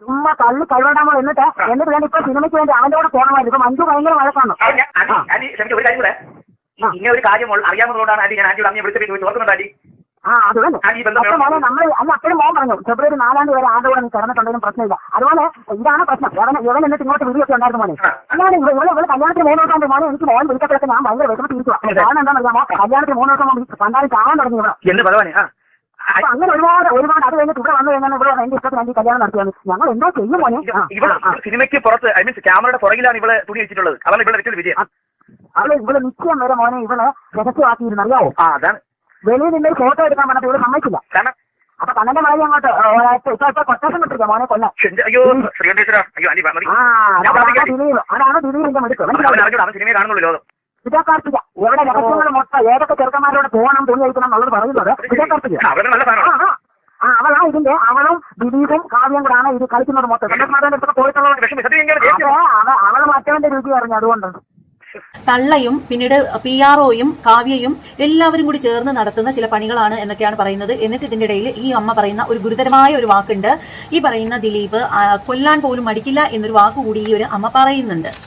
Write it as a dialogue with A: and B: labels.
A: ചുമ്മാ തള്ളി കഴിവണ്ടാമോ എന്നിട്ട് ഞാൻ ഇപ്പൊ സിനിമയ്ക്ക് വേണ്ടി അവന്റെ കൂടെ പോകണമായിരുന്നു. ഇപ്പൊ മഞ്ജു ഭയങ്കര വഴക്കാണ്.
B: ഒരു കാര്യം കൂടെ, ഇങ്ങനെ ഒരു കാര്യം അറിയാവുന്നതുകൊണ്ടാണ് ആന്റി ഞാൻ ആന്റിയോട് അമ്മയെ വിളിച്ചു ഓർക്കുന്നുണ്ട് ആന്റി.
A: അതുപോലെ മോനെ നമ്മൾ അന്ന് അപ്പോഴും മോൻ പറഞ്ഞു ഫെബ്രുവരി 4 വരെ ആരുടെ കൂടെ നീ കിടന്നിട്ടുണ്ടെങ്കിലും പ്രശ്നമില്ല. അതുപോലെ ഇതാണ് പ്രശ്നം. ഇവൻ എന്നിട്ട് ഇങ്ങോട്ട് വീഡിയോക്കെ ഉണ്ടായിരുന്നു മോനെ. ഞാൻ ഇവിടെ കല്യാണത്തിന് 3 ദിവസം മോനെ എനിക്ക് മോൻ വിളിക്കപ്പോഴൊക്കെ ഞാൻ ഭയങ്കര വിഷമത്തിരിക്കുക. കാരണം എന്താണെന്നറിയാമോ, കല്യാണത്തിന് 3 ദിവസം മുമ്പ് കണ്ടാലും ചാവാൻ തുടങ്ങി ഇവിടെ. അപ്പൊ അങ്ങനെ ഒരുപാട് അത് കഴിഞ്ഞിട്ട് ഇവിടെ വന്നു കഴിഞ്ഞാൽ ഇവിടെ എന്റെ ഇഷ്ടത്തിന് വേണ്ടി കല്യാണം നടത്തിയാണ്. ഞങ്ങൾ എന്തോ ചെയ്യും മോനെ.
B: സിനിമയ്ക്ക് പുറത്ത് ഐ മീൻസ് ക്യാമറയുടെ പുറകിലാണ് ഇവിടെ തുണി വെച്ചിട്ടുള്ളത്. അതാണ് ഇവിടെ വെച്ചത് വിജയം.
A: ഇവിടെ നിശ്ചയം വരെ മോനെ ഇവിടെ രഹസ്യമാക്കിയിരുന്നു അറിയാവോ.
B: അതാണ്
A: വെളിയിൽ നിന്ന് ഫോട്ടോ എടുക്കാൻ പറഞ്ഞപ്പോൾ ഇവിടെ സമ്മതിച്ചില്ല. അപ്പൊ കണ്ണന്റെ മഴ അങ്ങോട്ട് ഇപ്പൊ കൊട്ടേഷൻ വിട്ടിരിക്കാം മോനെ കൊല്ലം. അതാണ് ദിലീപിന്റെ മിടുക്ക്. വിജയകാർത്തിക എവിടെ രഹസ്യങ്ങൾ മൊത്തം ഏതൊക്കെ ചെറുക്കന്മാരോട് പോകണം തുണി കഴിക്കണം എന്നുള്ളത് പറയുന്നത് വിജയകാർത്തിക. അവളാ ഇതിന്റെ അവളും ദിലീപും കാവ്യം കൂടാണ് ഇത് കളിക്കുന്നത് മൊത്തം. സന്തോഷ് അടുത്തൊക്കെ പോയിട്ടുള്ളത് അവള് മറ്റവന്റെ രുചി അറിഞ്ഞു. അതുകൊണ്ട്
C: തള്ളയും പിന്നീട് PROയും കാവ്യയും എല്ലാവരും കൂടി ചേർന്ന് നടത്തുന്ന ചില പണികളാണ് എന്നൊക്കെയാണ് പറയുന്നത്. എന്നിട്ട് ഇതിന്റെ ഇടയിൽ ഈ അമ്മ പറയുന്ന ഒരു ഗുരുതരമായ ഒരു വാക്കുണ്ട്. ഈ പറയുന്ന ദിലീപ് കൊല്ലാൻ പോലും മടിക്കില്ല എന്നൊരു വാക്കുകൂടി ഈ ഒരു അമ്മ പറയുന്നുണ്ട്.